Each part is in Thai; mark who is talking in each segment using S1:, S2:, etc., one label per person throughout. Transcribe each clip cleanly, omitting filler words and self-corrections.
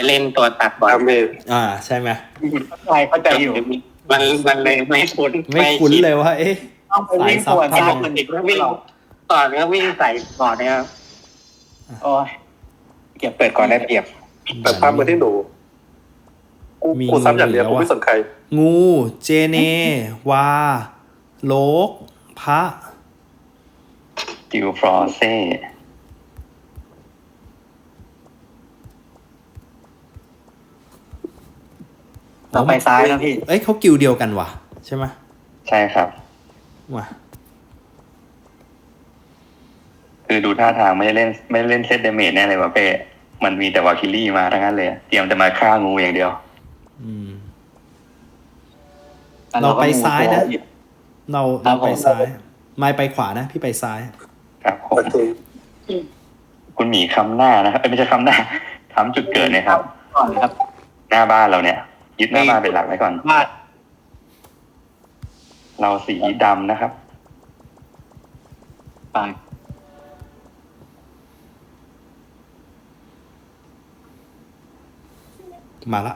S1: เล่นตัวตัดบอล
S2: ดาเมจ
S3: ใช่ไหม
S4: เข้าใจอยู่
S1: มันเลยไม่คุ้น
S3: ไม่คุ้นเลยว่า
S4: ต้องไปวิ่งสวน
S3: สายซับ
S4: ซ้ายมันอีก
S1: วิ่
S4: วิ่
S1: ง
S4: ง
S1: ก่อนก็วิ่งใส่ก่อนนะครับ
S4: โอ้ยเก็บ
S1: เปิดก่อนได้เปรียบ
S2: แต่ภาพมาที่หนูกูซ้ำอย่างเดียวกูไม่สนใคร
S3: งูเจเน วา โลก พระ
S5: กิลฟรอเซ่
S4: เราไปซ้ายนะพี่
S3: เขากิวเดียวกันว่ะ ใช่ไหม
S5: ใช่ครับ
S3: ว่ะ
S5: คือดูท่าทางไม่ได้เล่นเซตเดเมจแน่เลยวะเป้มันมีแต่วาคิลี่มาทั้งนั้นเลยเตรียมจะมาฆ่างูอย่างเดียว
S3: เราไปซ้ายนะ เราไปซ้าย ไม่ไปขวานะ พี่ไปซ้าย
S5: ครับผม
S2: โอเค
S5: คุณหมีคำหน้านะครับไม่ใช่คำหน้าคำจุดเกิดนะครับ
S4: ก่อนครับ
S5: หน้าบ้านเราเนี่ย ยึดหน้าบ้านเป็นหลักไว้ก่อน
S4: บ้าน
S5: เราสีดำนะครับ
S4: ไป
S3: มาละ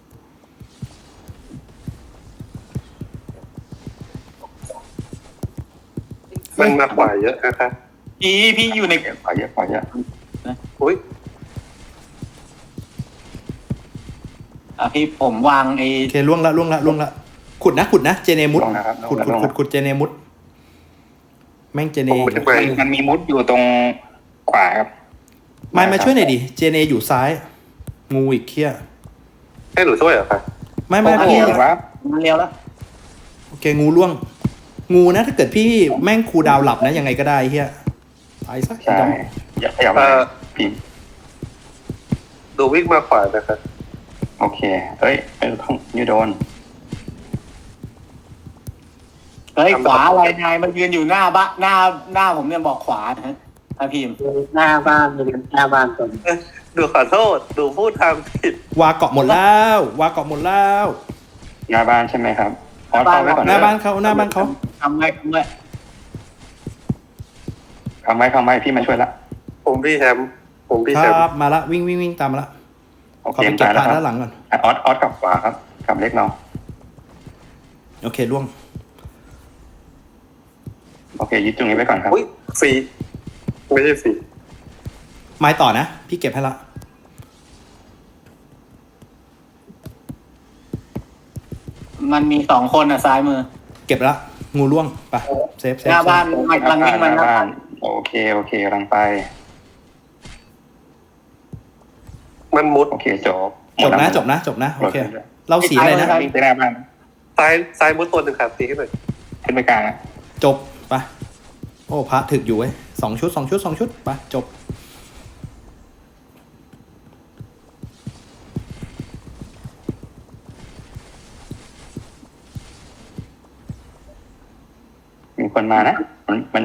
S2: มันมาขวาเยอะนะคะ
S4: พี่อยู่ใน
S5: ขอเยอะ
S2: อุ้ย
S4: พี่ผมวางไอ้
S3: โอเคล่วงละขุดนะเจเนมุด
S5: ลงนะครับ
S3: ขุดเจเนมุดแม่งเจเน
S2: ผมไม่ไป
S1: มันมีมุดอยู่ตรงขวาครับ
S3: ไม่มาช่วยหน่อยดิเจเนอยู่ซ้าย งูอีกเคี้ย
S2: ให้หนูช่วยเหรอคะ
S3: ไม่
S1: โอ้
S3: พี่
S1: โหครับ
S4: มันเร็วแล้ว
S3: โอเคงูล่วง งูนะถ้าเกิดพี่แม่งคูลดาวน์หลับนะยังไงก็ได้เฮียตายซะ
S5: ใช่อย่าขยับมาพิมพ์
S2: ดูวิ่งมาขวานะคะ
S5: โอเคเอ้ยไม่ต้องยูโดน
S4: เฮ้ยขวาอะไรนายมันยืนอยู่หน้าบ้านหน้าผมเนี่ยบอกขวานะฮะพิมพ์
S1: หน้าบ้านมีหน้าบ้านตรง
S2: ดูขอโทษดูพูดทางผิด
S3: วาเกาะหมดแล้ววาเกาะหมดแล้ว
S5: หน้าบ้านใช่ไหมครับออสเข้าไว้ก่อน
S3: หน้าบ้านเขา
S4: ทำไว้
S5: ทำไว้พี่มาช่วยละ
S2: ผมพี่แฮมผมพี่
S3: ค
S2: แฮม
S3: รับมาละวิ่งตามมาละ
S5: โอ
S3: ขอ
S5: เค
S3: ไปเก็บ
S5: ตาย
S3: ผ่า
S5: แล้วครับ
S3: นด้านหลังก่อน
S5: ออสกลับขวาครับกลับเล็กเรา
S3: โอเคล่วง
S5: โอเคยึดตรงนี้ไว้ก่อนครับ
S2: อุ้ยฟรีไม่ใช่ฟรี
S3: ไม้ต่อนะ พี่เก็บให้ละ
S4: มันมี2 คนซ้ายมือ
S3: เก็บละงูล่วงไปเซฟ
S4: หน้าบ้านมันกำลังวิ่งมา
S5: ห
S4: ห
S5: น้า
S4: น้า
S5: บ้า
S4: บ้าน น
S5: โอเคกำลังไป
S2: มันมุด
S5: โอเคจบ
S3: จบนะโอเคเราสีอะไรนะ
S1: วิ่งไปหน้าบ้าน
S2: ซ้ายมุดตัวหนึ่งครับตีให้หน่อย
S1: ขึ้นไปกลางอะ
S3: จบไปโอ้พระถึกอยู่เว้ย2 ชุดไปจบ
S5: มีคนมานะมัน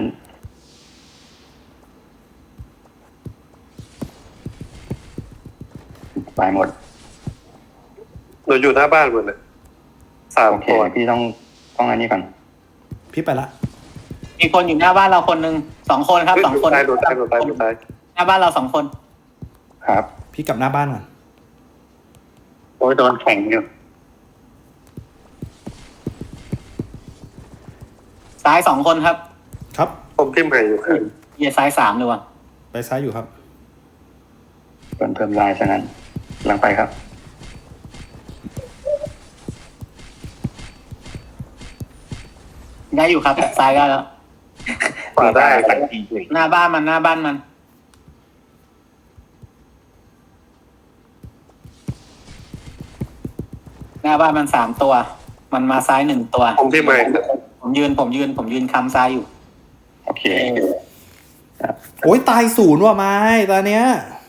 S5: ไปหมด
S2: หนูอยู่หน้าบ้านหมดเลย3
S5: โอเค
S2: ตัว
S5: พี่ต้องอันนี้ก่อน
S3: พี่ไปละ
S4: มีคนอยู่หน้าบ้านเราคนหนึ่ง2 คนครับ 2 คน
S2: ตายโดนตาย
S4: หน้าบ้านเรา2 คน
S5: ครับ
S3: พี่กลับหน้าบ้านก่อน
S1: โอ้ยโดนแข่งอยู่
S4: ซ้าย2 คนครับ
S3: ครับ
S2: ผมพิมพ์ให้อยู่ครับ
S4: เยียซ้าย3เลยว่ะ
S3: ไปซ้ายอยู่ครับ
S5: เพิ่มลายซะนั้นกำลังไปครับ
S4: ได้อยู่ครับซ้ายได้แล้ว
S2: ขวาได้
S4: หน้าบ้านมัน หน้าบ้านมัน3 ตัว มันมาซ้าย1 ตัว
S2: ผมพิมพ์ให้
S4: ผมยืนคำซ้ายอยู่
S5: โอเค
S3: โอ้ยตาย0ว่ะไม้ตอนเนี้ย